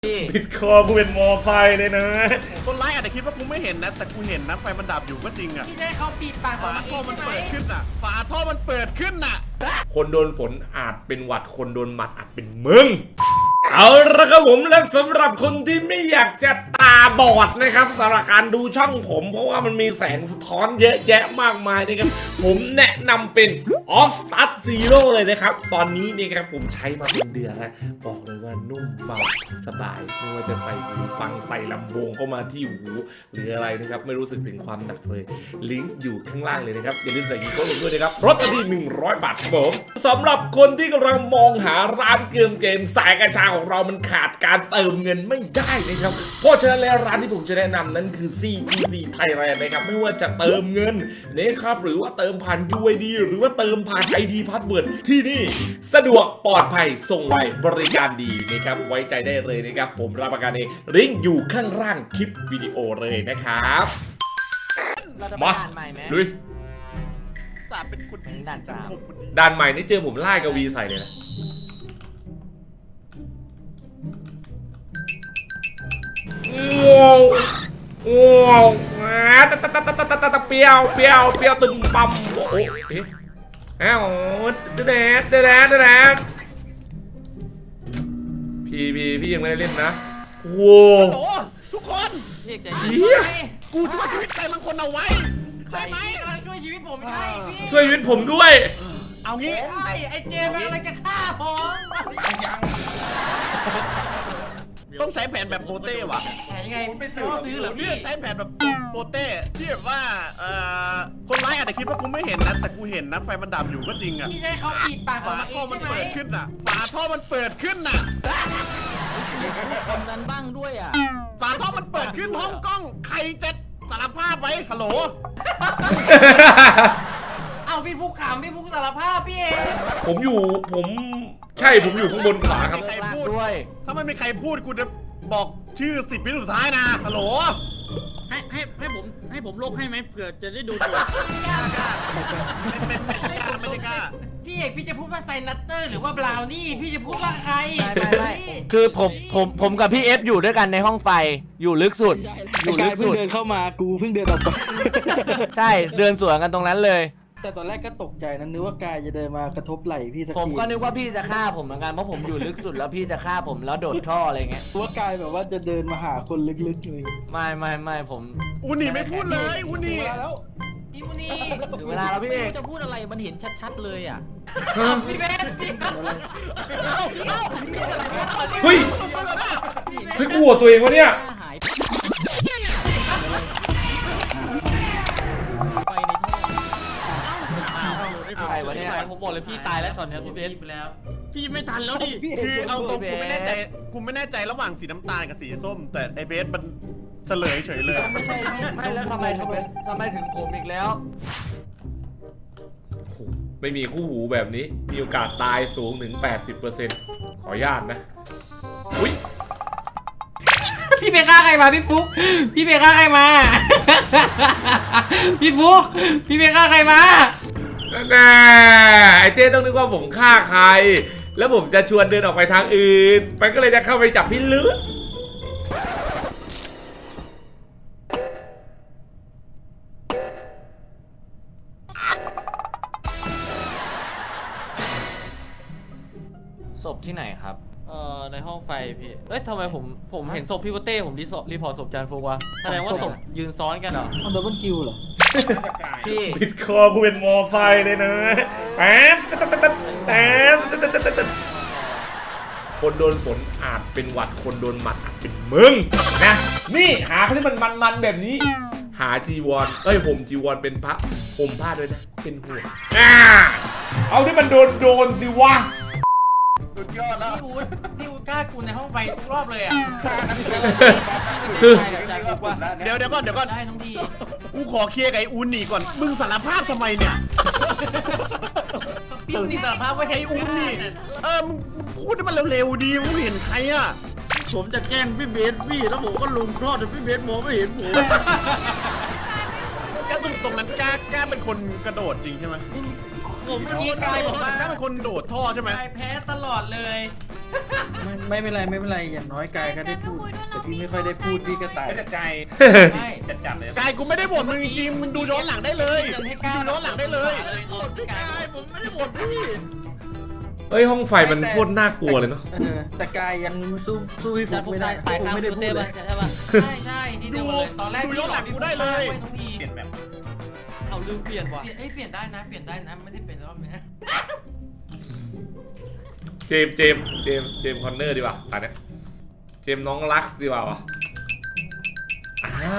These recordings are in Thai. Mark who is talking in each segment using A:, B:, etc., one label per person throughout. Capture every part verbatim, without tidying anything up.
A: ปิดคอกูเป็นมอไซค์เลยนะ
B: คนร้ายอาจจะคิดว่ากูไม่เห็นนะแต่กูเห็นนะไฟมันดับอยู่ก็จริงอ่ะ
C: ที่ได้เขาปิดปาก
B: ฝาท่อมันเปิดขึ้นอ่ะฝาท่อมันเปิดขึ้นอ่ะ
A: คนโดนฝนอาจเป็นหวัดคนโดนหมัดอาจเป็นมึงเอาละครับผมและสำหรับคนที่ไม่อยากจะตาบอดนะครับสำหรับการดูช่องผมเพราะว่ามันมีแสงสะท้อนเยอะแยะมากมายนะครับผมแนะนำเป็น Off Start Zero เลยนะครับตอนนี้นี่ครับผมใช้มาเป็นเดือนแล้วบอกเลยว่านุ่มเบาสบายไม่ว่าจะใส่หูฟังใส่ลำโพงเข้ามาที่หูหรืออะไรนะครับไม่รู้สึกถึงความหนักเลยลิงก์อยู่ข้างล่างเลยนะครับอย่าลืมใส่กีโก้ลงด้วยนะครับลดทันทีหนึ่งร้อยบาทครับผมสำหรับคนที่กำลังมองหาร้านเกมเกมสายกัญชาของเรามันขาดการเติมเงินไม่ได้นะครับเพราะฉะนั้นแล้วร้านที่ผมจะแนะนำนั้นคือ ซี ที ซี Thailand นะครับไม่ว่าจะเติมเงินนะครับหรือว่าเติมผ่าน ยู ไอ ดี หรือว่าเติมผ่าน ไอ ดี Password ที่นี่สะดวกปลอดภัยส่งไวบริการดีนะครับไว้ใจได้เลยนะครับผมรับประกันเองลิงก์อยู่ข้างล่างคลิปวิดีโอเลยนะครับมาลุย
B: จ่าเป็นคุณ
C: ด่านสาม
A: ด่านใหม่นี่เจอผมไล่กวีใส่เลยนะว้าวว้าวตะตะตะตะตะตะตะเปียวเปียวเปียวตึงปั๊มโอ้โหเอ๊ะอ้าวเดดเดดเดดเดดพี่พี่พี่ยังไม่ได้เล่นนะว้าว
B: โอ้ทุกคน
C: เรียกใจ
A: เหี้ย
B: กูช่วยชีวิตใครบางคนเอาไว้ใช่ไหม
C: กำลังช่วยชีวิตผมใช่พี่
A: ช่วยชีวิตผมด้วย
B: เอางี้
C: ใช่ไอ้เจมส์กำลังจะฆ่าผม
B: ต้องใช้แผนแบบโปเต้ว่ะ
C: แต่ยังไงไม่ซื้อซื้อเหรอพี่
B: เนี่ยใช้แผนแบบโปเต้ที่แบบว่าเอ่อคนร้ายอาจจะคิดว่ากูไม่เห็นนะแต่กูเห็นนะไฟมันดับอยู่ก็จริงอ่ะ
C: ที่ได้เขาปิดปาก
B: ฝาท่อมันเปิดขึ้นอ่ะฝาท่อมันเปิดขึ้นอ่ะ
C: คนนั้นบ้างด้วยอ่ะ
B: ฝาท่อมันเปิดขึ้นห้องกล้องใครจะสารภาพไว้ฮัลโหล
C: เอาพี่ฟุกขำพี่ฟุกสารภาพพี่เอง
A: ผมอยู่ผมใช่ผมอยู่ข้างบนขวาครับ
B: ใครพูดถ้าไม่มีใครพูดกูจะบอกชื่อสิบวิสุดท้ายนะฮัลโหล
D: ให้ให้ให้ผมให้ผมลบให้ไหมเผื่อจะได้ดูตัว
B: ไม่กล้าไม่กล้า
C: พี่เอกพี่จะพูดว่าไซนัตเตอร์หรือว่าบราวนี่พี่จะพูดว่าใคร
E: ไม่ไม่ไม่คือผมผมผมกับพี่เอฟอยู่ด้วยกันในห้องไฟอยู่ลึกสุดอยู่ลึก
F: เพิ่
E: สุ
F: ง
E: ด
F: เดินเข้ามากูเพิ่งเดินออกไป
E: ใช่เดินสวนกันตรงนั้นเลย
F: แต่ตอนแรกก็ตกใจนะนึกว่ากายจะเดินมากระทบไหล่พี่สักที
E: ผมก็นึกว่าพี่จะฆ่าผมเหมือนกันเพราะผมอยู่ลึกสุดแล้วพี่จะฆ่าผมแล้วโดดท่ออะไรเงี้ย
F: ว่ากายแบบว่าจะเดินมาหาคนลึกๆเลย
E: ไม่ไม่ไม่ผม
B: อูนี่ไม่พูดเลยอูนี่
F: มาแล้ว
C: พี่มูนี่
E: ถึงเวลาแล้วพี่เอก
C: จะพูดอะไรมันเห็นชัดๆเลยอ่ะพี่เบสพี่
A: เฮ้ยเฮ้ยกลัวตัวเองวะเนี่ย
C: หายไปในท่อ
E: ใครวะเนี่ย
C: ผมบอกเลยพี่ตายแล้วช็อตนี้พี่เบสไปแล้ว
D: พี่ไม่ทันแล้วดิ
B: คือเอาตรงกูไม่แน่ใจกูไม่แน่ใจระหว่างสีน้ำตาลกับสีส้ม แต่ไอเบสมันเฉลยเฉยเลย
F: ไม่ใช่พี่
E: ไม่แล้วทำไมทำไมทำไมถึงผมอีกแล้ว
A: โอ้โหไม่มีคู่หูแบบนี้มีโอกาสตายสูงถึง แปดสิบเปอร์เซ็นต์ ขออนุญาตนะอุ้ย
C: พี่เบสฆ่าใครมาพี่ฟุกพี่เบสฆ่าใครมา พี่ฟุกพี่เบสฆ่าใครมา
A: แน่ไอเจ้ต้องนึกว่าผมฆ่าใคร แล้วผมจะชวนเดินออกไปทางอื่นมันก็เลยจะเข้าไปจับพี่ลึก
E: ศพที่ไหนครับเอ่อในห้องไฟพี่เอ้ยทำไมผมผมเห็นศพพี่โกเต้ผมรีสอร์รีพอร์ตศพจานฟุกวะแสดงว่าศพยืนซ้อนกันเหรอ
F: ทำดับเบิลคิวเหรอ
E: พี่
A: ปิดคอกูเป็นมอไซค์เลยนะแป๊บแป๊บแป๊บแป๊บแป๊บคนโดนฝนอาจเป็นหวัดคนโดนหมัดอาจเป็นมึงนะนี่หาคนที่มันมันๆแบบนี้ หาจีวรเอ้ยผมจีวรเป็นพระผมผ้าด้วยนะเป็นห่วงอ่าเอาที่มันโดนโดนสิวะ
B: สุดยอดแล้ว
C: พี่อู๊ดพี่อู๊ดกล้ากูในห้องไฟทุกรอบเลยอ่ะ
A: คือ
B: เดี๋ยวเดี๋ยวก่อนเดี๋ยวก่อน
C: ได้น้องดี
B: กูขอเคลียร์กับไออูนี่ก่อน มึงสารภาพทำไมเนี่ย
C: พี่อู๊ดนี่สารภาพว่า
B: ไอ
C: ไอ้
B: อู
C: อู๊ด
B: นี่ เออ มึงพูดให้มันเร็วๆดีมึงเห็นใครอ่ะ
D: ผมจะแกล้งพี่เบสพี่แล้วผมก็ลงคลอดแต่พี่เบสมองไม่เห็นผม
B: กล้าตรงตรงนั้นกล้ากล้าเป็นคนกระโดดจริงใช่ไหม
C: ผมเมื่อกี้กายบอกว่าก
B: ล้าเป็นคนโดดท่อใช่ไหม
C: กายแพ้ตลอดเลย
F: ไม่ไม่เป็นไรไม่เป็นไรอย่างน้อยกายก็ได้พูดแต่พี่ไม่ค่อยได้พูดพี่ก็ตาย
B: ไม่จัดใจ
C: ใช่
B: จัดจัดเลยกายกูไม่ได้บ่นมึงจริงๆมึงดูย้อนหลังได้เลยมึงดูย้อนหลังได้เลย
C: พี่กาย
B: ผมไม่ได้บ่นพี่
A: เฮ้ยห้องไฟมันโคตรน่ากลัวเลยเนาะ
F: เออแต่กายยังสู้สู้พี่
E: จา
F: ฟุ
E: น
F: ก
E: ฟุก
F: ไม่
E: ได้
F: ได้
E: ตาย
F: ฟุก
E: ข้าง
F: ไม่ได้
E: พี่
F: พู
E: เต้
F: ดเล
E: ป่ะ
F: ย
E: ใช่ป่ะ
C: ใช่ใช่นี่เดียวเลยตอนแรก
B: ดูย้อนหลังกูได้เลย
C: น้องพี
B: เปลี่ยนแบบ
E: เอาลืมเปลี่ยนว่ะ
C: เอ้ยเปลี่ยนได้นะเปลี่ยนได้นะไม่ได้เป็นรอบเนี้ย
A: เจมส์เจมส์เจมส์เจมส์คอนเนอร์ดีกว่าตอนเนี้ยเจมส์น้องรักดีกว่าวะอ่า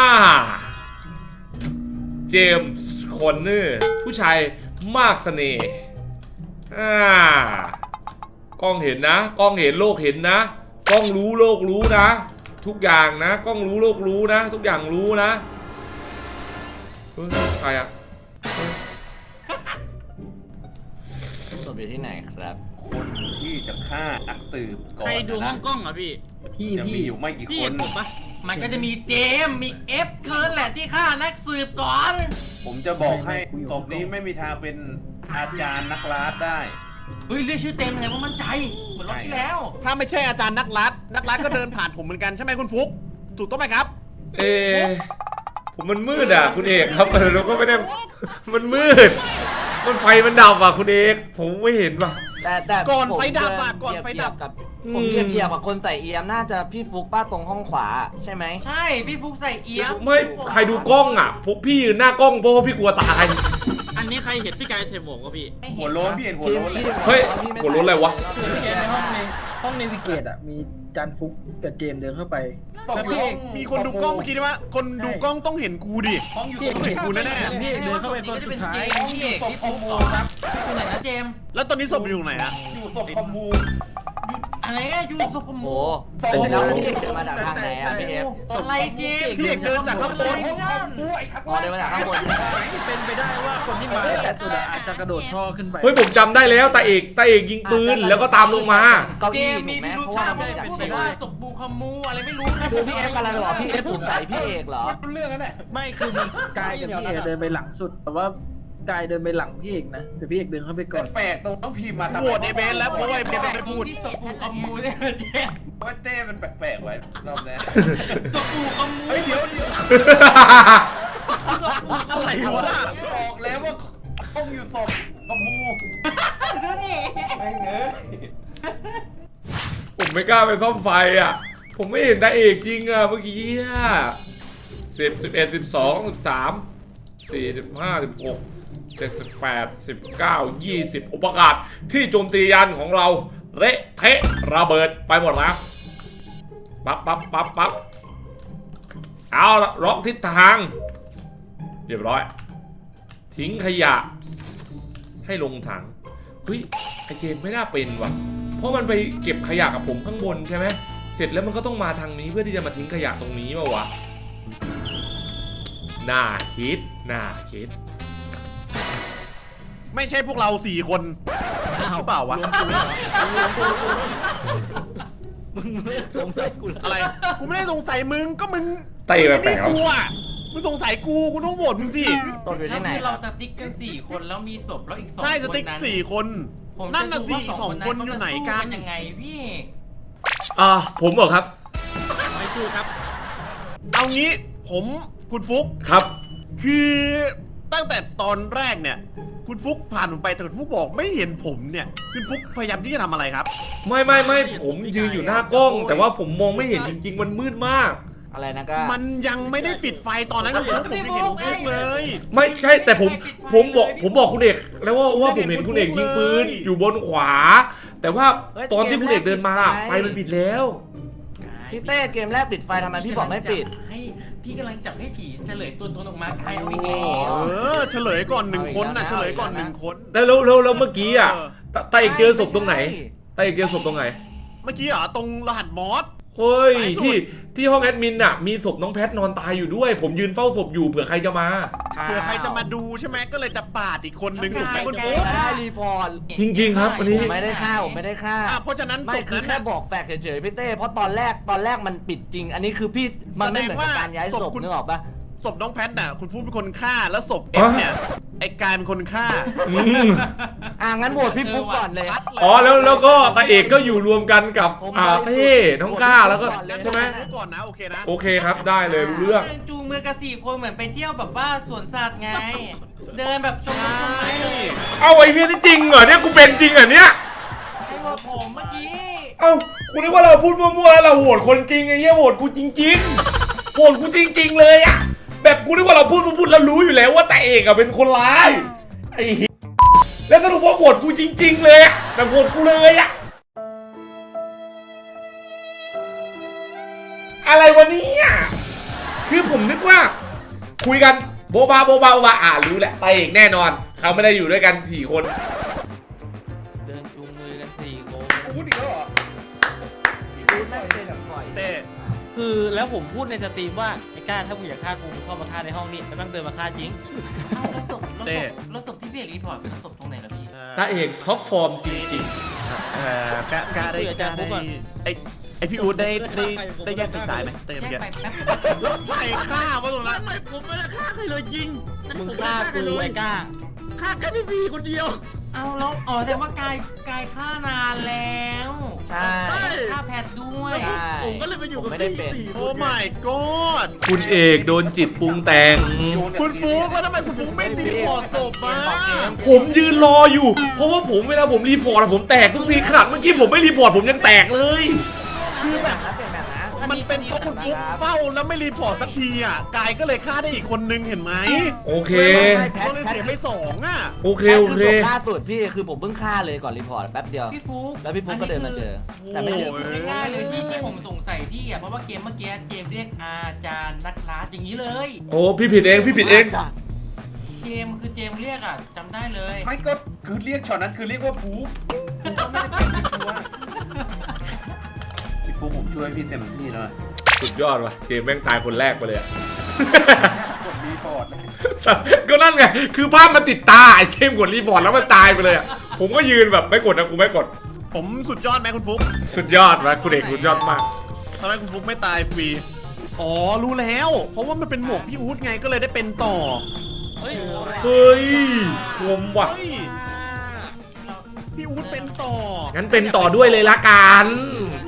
A: เจมส์คอนเนอร์ผู้ชายมากเสน่ห์อ่ากล้องเห็นนะกล้องเห็นโลกเห็นนะกล้องรู้โลกรู้นะ ทุกอย่างนะกล้องรู้โลกรู้นะ ทุกอย่างรู้นะเฮ้ยใครอะ
E: ศพอยู่ที่ไหนครับ
B: คนที่จะฆ่านักสืบก่อน
D: ใครดูห้องกล้องอ่ะพี่
F: พี่
B: จะ
F: พี่
B: มีอยู่ไม่กี่
D: พี่
B: ค
D: เห็
B: น
D: นผมปะ
C: มันก็จะมีเจมมีเอฟเท่านั้นแหละที่ฆ่านักสืบก่อน
B: ผมจะบอกให้ศพนี้ไม่มีทางเป็นอาจารย์นักลาดได้
C: เฮ้ยเรียกชื่อเต็มเลยว่ามั่นใจเหมือนรอบที่แล้ว
B: ถ้าไม่ใช่อาจารย์นักลัดนักลัดก็เดินผ่านผมเหมือนกันใช่ไหมคุณฟุกถูกต้องไหมครับ
A: เออผมมันมืดอ่ะคุณเอกครับเออเราก็ไม่ได้มันมืด มันไฟมันดับอ่ะคุณเอกผมไม่เห็นว่ะ
G: แต่แต่
B: ก่อน
G: ผม
B: ไฟดับอะก่อนไฟดับ
G: เทียกับ
A: อืม
G: ผมเทียบเทียบกับคนใส่เอียมน่าจะพี่ฟุกป้าตรงห้องขวาใช่ไหม
C: ใช่พี่ฟุกใส่เอี๊ยม
A: ไม่ใครดูกล้องอ่ะพวกพี่ยืนหน้ากล้องเพราะว่าพี่กลัวตาย
D: อันนี้ใครเห็นพี่กายใส่หมวกวะพี่
B: หัวโล้นพี่เห็นหัวโล้นเลย
A: เฮ้ยหัวโล้นอะไรวะ
F: แกในห้องในห้องในวิเกตอ่ะมีจานฟุกกับเจมส์เดินเข้าไปแล้วพี่เอก
B: มีคนดูกล้องเมื่อกี้ด้วยว่าคนดูกล้องต้องเห็นกูดิ
F: พี่เอก
B: ต้อง
F: เห็
B: เห็
F: น
B: น
F: กู
B: กู
F: แน่
B: แน่
F: ๆพี่เอกเดินเข้าไปคนสุดท้าย
C: พี่เอกพี่ฟุกต่อครับอยู่ไหนนะเจม
B: ๆแล้วตอนนี้ศพอยู่ไหนอะ
H: อยู่ศพคอมมู
C: อะไรอะอยู่ศพขโม
G: โอ้
C: ย
G: แต่แล้วพี่เอกเดินมาจากทางไหนอ่ะพี่เอฟ
C: อะไรเจม
B: พี่เอกเดินจากข้างบน
G: อ๋อเดินมาจากข้างบน
F: เป็นไปได้ว่าคนที่มาแต่สุดอะอาจจะกระโดดท่อขึ้นไป
A: เฮ้ยผมจำได้แล้วตาเอกตาเอกยิงปืนแล้วก็ตามลงมา
G: เก้า
C: เจ
G: อี้
C: ม
G: ถู
C: มี
G: กไหม
C: พิรุ
G: เพ
C: ธ
G: ราะว่า
C: ชาติ
G: ไม่ได้
C: พู
G: จาก
C: ด
G: เชียง
C: ว่า
G: ใหม่
C: ศพบูคามูอะไรไม่รู้นะ
G: คือพี่เอฟกำลังบอกพี่เอฟสงสัยพี่เอกเหรอ
H: เรื่องนั้นแหละ
F: ไม่คือมีกายกับพี่เอกเดินไปหลังสุด แต่ว่ากายเดินไปหลังพี่เอกนะแต่พี่เอกเดินเข้าไปก่อน
H: แปลกตรงต้องพิมพ์มาทำ
B: โหวตไอเบนแล้วเพราะว่าไอเบน
C: แต่
B: ไม่
C: ตร
B: พู
C: ง
B: ด
C: ที่ศพบูคามูเนี่ยเจม
H: ว่าเต้มันแปลกๆไว้รอบนี้
C: ศพบูคามู
H: เฮ้ยเดี๋ยวเดี๋ยว
B: อะไรวะ
H: บอกแล้วว่าต้องอยู่ศพคอมมู
C: ดูนี่
H: ไม่เงย
A: ผมไม่กล้าไปซ่อมไฟอ่ะ ผมไม่เห็นตาเอกจริงอ่ะเมื่อกี้อ่ะสิบสิบเอ็ดสิบสองสิบสามสี่สิบห้าสิบหกเจ็ดสิบแปดสิบเก้ายี่สิบอุปกาศที่โจมตียานของเราเละเทะระเบิดไปหมดแล้วปั๊บปั๊บปั๊บปั๊บเอาละล็อกทิศทางเรียบร้อย ทิ้งขยะ ให้ลงถังเฮ้ยไอเจมไม่น่าเป็นว่ะเพราะมันไปเก็บขยะกับผมข้างบนใช่ไหมเสร็จแล้วมันก็ต้องมาทางนี้เพื่อที่จะมาทิ้งขยะตรงนี้มาวะน่าคิดน่าคิด
B: ไม่ใช่พวกเราสี่คนหรือเปล่าวะ
G: สงสัยกู
B: อะไรกูไม่ได้สงสัยมึงก็มึง
A: เต้แปลกๆ
B: มึงไม่ได้กูอะมึงสงสัยกูกูต้องโหวตมึงสิ
G: ตกอยู่
C: แล้ว
G: ที่ไหน
C: คือ
G: ค
C: เรา
G: รับ
C: สติ๊กกันสี่คนแล้วมีศพแล้วอีกสอง
B: ใช่ส
C: คน
B: ติ๊ก
C: นั้น
B: สี่คน
C: ผม
B: นั่นน่ะ
C: จ
B: สี่
C: ดูว่า
B: สองคนอยู่ไหนกัน
C: เขาจะสู้ยังไงพี่เอก
A: อ่าผมเหรอครับ
D: ไม่สู้ครับ
B: เอางี้ผมคุณฟุก
A: ครับ
B: คือตั้งแต่ตอนแรกเนี่ย คุณฟุกผ่านผมไปแต่คุณฟุกบอกไม่เห็นผมเนี่ยคุณฟุกพยายามที่จะทำอะไรครับ
A: ไม่ไม่ไม่ผมยืนอยู่หน้ากล้อง แต่ว่าผมมองไม่เห็นจริง ๆ มันมืดมาก
G: อะไรนะก็
B: มันยังไม่ได้ปิดไฟตอนนั้นคุณฟุกผมยังเห็นคุณฟุกเลย
A: ไม่ใช่แต่ผมผมบอกผมบอกคุณเอกแล้วว่าว่าผมเห็นคุณเอกยิงปืนอยู่บนขวา แต่ว่าตอนที่คุณเอกเดินมาไฟมันปิดแล้ว
G: พี่เต้เกมแรกปิดไฟทำไมพี่บอกไม่ปิด
C: ให้พี่กำลังจับให้ผีเฉลยตัวตนออกมาใครเอาอีก
B: เอ
C: แล้ว
B: อเฉลยก่อนหนึ่งคนนะ
G: เอาอีกแล้วนะ
B: เฉลยก่อนหนึ่งคน
A: แล้วแล้วแล้วแล้วเมื่อกี้อ่ะ
B: เออ
A: ตาตาเอกเจอศพตรงไหนตาเอกเจอศพตรงไหน
B: เมื่อกี้เหรอตรงรหัสมอส
A: เฮ้ย
B: สายสุด
A: ที่ที่ห้องแอดมินอ่ะมีศพน้องแพทนอนตายอยู่ด้วย ผมยืนเฝ้าศพอยู่เผื่อใครจะมา
B: เผื่อใครจะมาดูใช่ไหมก็เลยจะปาดอีกคนหนึ่งถูกไหมคุณฟุก
G: ได้รีพอร์ต
A: จริงๆครับอันนี้
G: ผมไม่ได้ฆ่าผมไม่ได้ฆ่า
B: อ่ะเพราะฉะนั้น
G: ไม่
B: ศพ
G: คือ
B: นั้น
G: แค่
B: น่ะ
G: บอกแฟกต์เฉยๆพี่เต้เพราะตอนแรกตอนแรกมันปิดจริง อันนี้คือพี่มันไม่เหมือนกับการย้ายศพนึกออกปะ
B: ศพน้องแพทน่ะคุณฟุกเป็นคนฆ่าแล้วศพเอ็มเนี่ยไอ้กายเป็นคนฆ่า
A: อืม
G: อ่ะงั้นโหวตพี่ฟุกก่อนเลย
A: อ๋อแล้วแล้วก็ตาเอกก็อยู่รวมกันกับอ่าเต้น้องก้าแล้วก็
B: งั้น
A: ใช่ไหม
B: ฟุกก่อนนะโอเคนะ
A: โอเคครับได้เลยรู้เรื่อง
C: ดินจูงมือกับสี่คนเหมือนไปเที่ยวแบบว่าสวนสัตว์ไง เดินแบบชมต้นไม้เลย
A: เอาไอ้เฮียนี่จริงเหรอเนี่ยกูเป็นจริงเหรอเนี่ย
C: ไอ้ว่าผมเมื่อกี้
A: เอ้ากูนึกว่าเราพูดมั่วๆแล้วเราโหวตคนจริงไอ้เหี้ยโหวตกูจริงๆโหวตกูจริง ๆ เลยอะแบบกูนึกว่าเราพูดพูดแล้วรู้อยู่แล้วว่าแต่เอกอะเป็นคนร้ายไอ้เหี้ยแล้วสรุปว่าโหวตกูจริง ๆ เลยอะแบบโหวตกูเลยอะอะไรวะเนี่ยคือผมนึกว่า คุยกันโบบาโบบาโบบาอ่ารู้แหละแต่เอกแน่นอน เขาไม่ได้อยู่ด้วยกันสี่คน
E: เดินจูงมือกันสี่คน
H: พูดอีกแล้วเหรอ
G: ดูน่าเจอแบบปล่อย
B: เต้
E: คือแล้วผมพูดในสตรีมว่าไอ้ก้าถ้ามึงอยากฆ่ากูมึงเข้ามาฆ่าในห้องนี้แล้วแม่งเดินมาฆ่าจริง
C: เอ้าแล้วศพแล้วศพแล้วศพที่พี่เอกรีพอร์ตเป็นศพตรงไหนล่ะพี่
A: ตาเอกท็อปฟอร์มจริง
B: เอ่อกะกะได้กะได้ไอไอพี่อู๊ดได้ได้ได้แยกไปสายไหมเต้เมื่อ
C: แย
B: กี้
C: กไปแป๊บ
B: แล้วใครฆ่าวะตรงนั้น
D: ไม่ผมไม่ได้ฆ่าใครเลยยิง
E: มึงฆ่ากูไอ้ก้า
D: ฆ่าแค่พี่บีคนเดียว
C: เอาแล้วอ๋อแต่ว่ากายกายฆ่านานแล้ว
G: ใช่
C: ฆ่าแพทด้วย
G: ใช่
D: ผมก็เลยไปอยู่กับ
G: ผมไม่ได้
D: พี่
G: เป็น
D: สี่ค
B: โอ้
D: น
B: my god
A: ๆ คุณเอกโดนจิตปรุงแต่ง
B: คุณฟุกแล้วทำไมคุณฟุกไม่รีพอร์ตศพมา
A: ผมยืนรออยู่ เพราะว่าผมเวลาผมรีพอร์ตอะผมแตกทุกทีขนาดเมื่อกี้ผมไม่รีพอร์ตผมยังแตกเลย
G: คือแบบนะเป็นแบบนะ
B: มันเป็นเพราะคุณฟุกเฝ้าแล้วไม่รีพอร์ตสักทีอ่ะกายก็เลยฆ่าได้อีกคนนึงเห็นไหม
A: โอเค
B: ก็เลยเสียไปสองอ่ะ
A: โอเค
G: แพท
A: โอ
G: คือ
A: เค
G: ศพล่าสุดพี่คือผมเพิ่งฆ่าเลยก่อนรีพอร์ตแป๊บเดียว
C: พี่ฟุก
G: แล้วพี่ฟุกก็เดินมาเจอ แต่ไม่เจอ
B: โอ้ย
C: ง่ายๆเลยที่ที่ผมสงสัยพี่อ่ะเพราะว่าเกมเมื่อกี้เจมส์เรียกอาจารย์นักล่าอย่างนี้เลย
A: โอ้พี่ผิดเองพี่ผิดเอง
C: เจมส์คือเจมส์เรียกอ่ะจำได้เลย
H: ไม่ก็คือเรียกช็อตนั้นคือเรียกว่าฟูฟูก็ไม่ได้เป็นตัวพี่ฟูผมช่วยพี่เต็มที่แล้วนะ
A: สุดยอดว่ะเจมส์แม่งตายคนแรกไปเลยอะ
H: กดรีพอร์ตเลย
A: ก็นั่นไง คือภาพมันติดตาไอ้เจมส์กดรีพอร์ตแล้วมันตายไปเลยอะผมก็ยืนแบบไม่กดนะกูไม่กด
B: ผมสุดยอดไหมคุณฟุก
A: สุดยอดว่ะคุณเอกสุดยอดมาก
B: ทำไมคุณฟุกไม่ตายฟรีอ๋อรู้แล้ว เพราะว่ามันเป็นหมวกพี่อู๊ดไงก็เลยได้เป็นต่อ
E: เฮ้ย
A: เฮ้ยคมว่ะ
B: เฮ้ยพี่อู๊ดเป็นต่อ
A: งั้นเป็นต่อด้วยเลยละกัน